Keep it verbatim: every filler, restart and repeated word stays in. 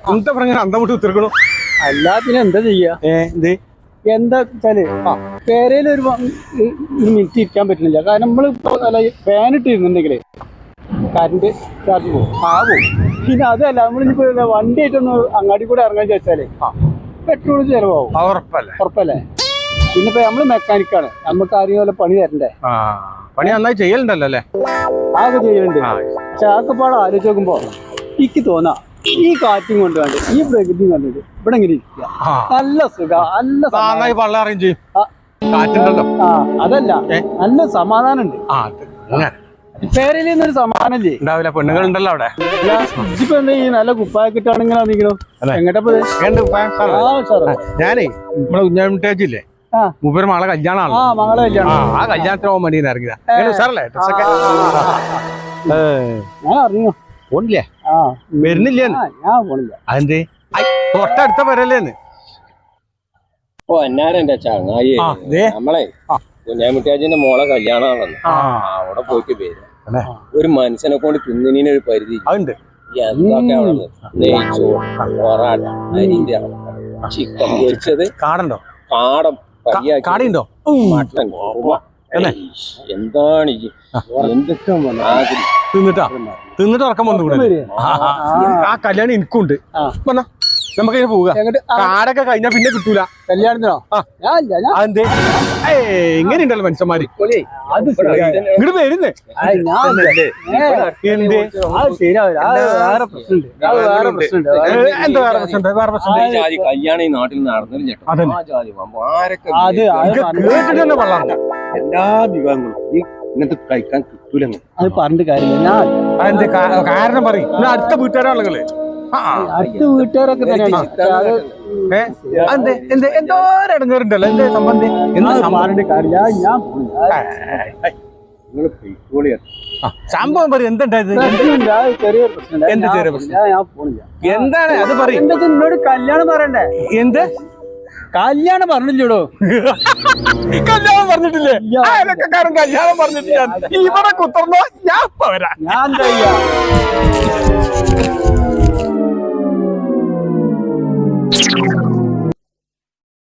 എന്താ പറഞ്ഞ അന്തം വിട്ട് ഉത്തരക്കണു അല്ലാ പിന്നെ എന്താ ചെയ്യാ എന്ത് എന്താ വെച്ചാല് പേരയിൽ ഒരു മിനിറ്റ് ഇരിക്കാൻ പറ്റുന്നില്ല കാരണം നമ്മള് ഫാൻ ഇട്ടിരുന്നുണ്ടെങ്കിലേ കറണ്ട് ചാർജ് പോകും ആ പോകും പിന്നെ അതല്ല നമ്മളിപ്പോ വണ്ടി ആയിട്ടൊന്ന് അങ്ങാടി കൂടെ ഇറങ്ങാൻ ചോദിച്ചാലേ പെട്രോൾ ചെലവാകും ഉറപ്പല്ലേ ഉറപ്പല്ലേ പിന്നെ ഇപ്പൊ നമ്മള് മെക്കാനിക്കാണ് നമുക്ക് ആരെയും പോലെ പണി തരണ്ടേ പണി നന്നായി ചെയ്യലുണ്ടല്ലോ അല്ലേ ആകെ ചെയ്യലുണ്ട് പക്ഷെ ആക്കെപ്പാട് ആലോചിച്ച് നോക്കുമ്പോ എനിക്ക് തോന്നാ ഈ കാറ്റും കൊണ്ടുപോണ്ട് ഈ പ്രകൃതി കണ്ടിട്ട് ഇവിടെ ഇങ്ങനെ ഇരിക്കുക നല്ല സുഖ നല്ല വള്ളം അറേഞ്ച് ചെയ്യും കാറ്റുണ്ടല്ലോ ആ അതല്ല നല്ല സമാധാനം ഉണ്ട് പേരയിലൊരു സമാധാനം ഇല്ലേ ഉണ്ടാവില്ല പെണ്ണുങ്ങൾ ഉണ്ടല്ലോ അവിടെ ഇപ്പൊ എന്താ ഈ നല്ല കുപ്പായൊക്കെ ഇട്ടാണെങ്കിലും ആണെങ്കിലോ എങ്ങോട്ടപ്പോ ഞാനേ നമ്മളെ കുഞ്ഞാമിട്ടേച്ചില്ലേ മൂപ്പര് മകളെ കല്യാണമാണ് ആ മകളെ കല്യാണം ആ കല്യാണത്തിന് പോകാൻ വേണ്ടി ഇറങ്ങിയതാ സാറല്ലേ ഡ്രസ്സൊക്കെ ഞാൻ അറിഞ്ഞു പോണില്ലേ ആ വരുന്നില്ലേ ഞാൻ പോണില്ല അതെന്തേ തൊട്ടടുത്ത വരല്ലേന്ന് ഓ എന്നാരെന്റെ ചങ്ങായി നമ്മളെ കുഞ്ഞാമിട്ടാജിന്റെ മോളെ കല്യാണമാണെന്ന് അവിടെ പോയിട്ട് പേര് ഒരു മനുഷ്യനെ കൊണ്ട് തിന്നിന് ഒരു പരിധി അതുണ്ട് എന്തൊക്കെ അവിടെ നെയ്ച്ചോറ് പൊറാട്ട അരിന്റെ ചിക്കൻ പൊരിച്ചത് കാടുണ്ടോ കാടം കാടിയുണ്ടോ മട്ടൻ എന്താണ് എന്തൊക്കെ തിന്നിട്ടാ തിന്നിട്ട് ഉറക്കം വന്നു ആ കല്യാണം എനിക്കുണ്ട് നമുക്ക് ഇങ്ങനെ പോവുക കാടൊക്കെ കഴിഞ്ഞാ പിന്നെ കിട്ടൂല കല്യാണത്തിനോ അതെന്തേ എങ്ങനെയുണ്ടല്ലോ മനുഷ്യന്മാര് ഇങ്ങോട്ട് വരുന്നേ എന്താ വേറെ പ്രശ്നം വേറെ പ്രശ്നം കല്യാണം ഈ നാട്ടിൽ നടന്നില്ല കേട്ടിട്ട് തന്നെ വെള്ളം എല്ലാ വിഭവങ്ങളും ഈ ഇങ്ങനത്തെ കഴിക്കാൻ കിട്ടൂല അത് പറഞ്ഞിട്ട് കാര്യമില്ല ഞാൻ അതെന്ത് കാരണം പറയും അടുത്ത വീട്ടുകാരാളുകള് അടുത്ത വീട്ടുകാരൊക്കെ തന്നെയാണ് എന്തോരടങ്ങേറുണ്ടല്ലോ എന്തേ സംബന്ധി പറഞ്ഞിട്ട് കാര്യമില്ല ഞാൻ സംഭവം പറയും എന്തുണ്ടായത് ചെറിയൊരു പ്രശ്നം എന്ത് ചെറിയ പ്രശ്നം ഞാൻ പോണില്ല എന്താണ് അത് പറയും എന്താ എന്നോട് കല്യാണം പറയണ്ടേ എന്ത് കല്യാണം പറഞ്ഞില്ലടോ കല്യാണം പറഞ്ഞിട്ടില്ലേ അയലക്കാരൻ കല്യാണം പറഞ്ഞിട്ടില്ല ഇവിടെ കുത്തർന്നോ ഞാൻ പോരാ ഞാൻ എന്താ ചെയ്യാ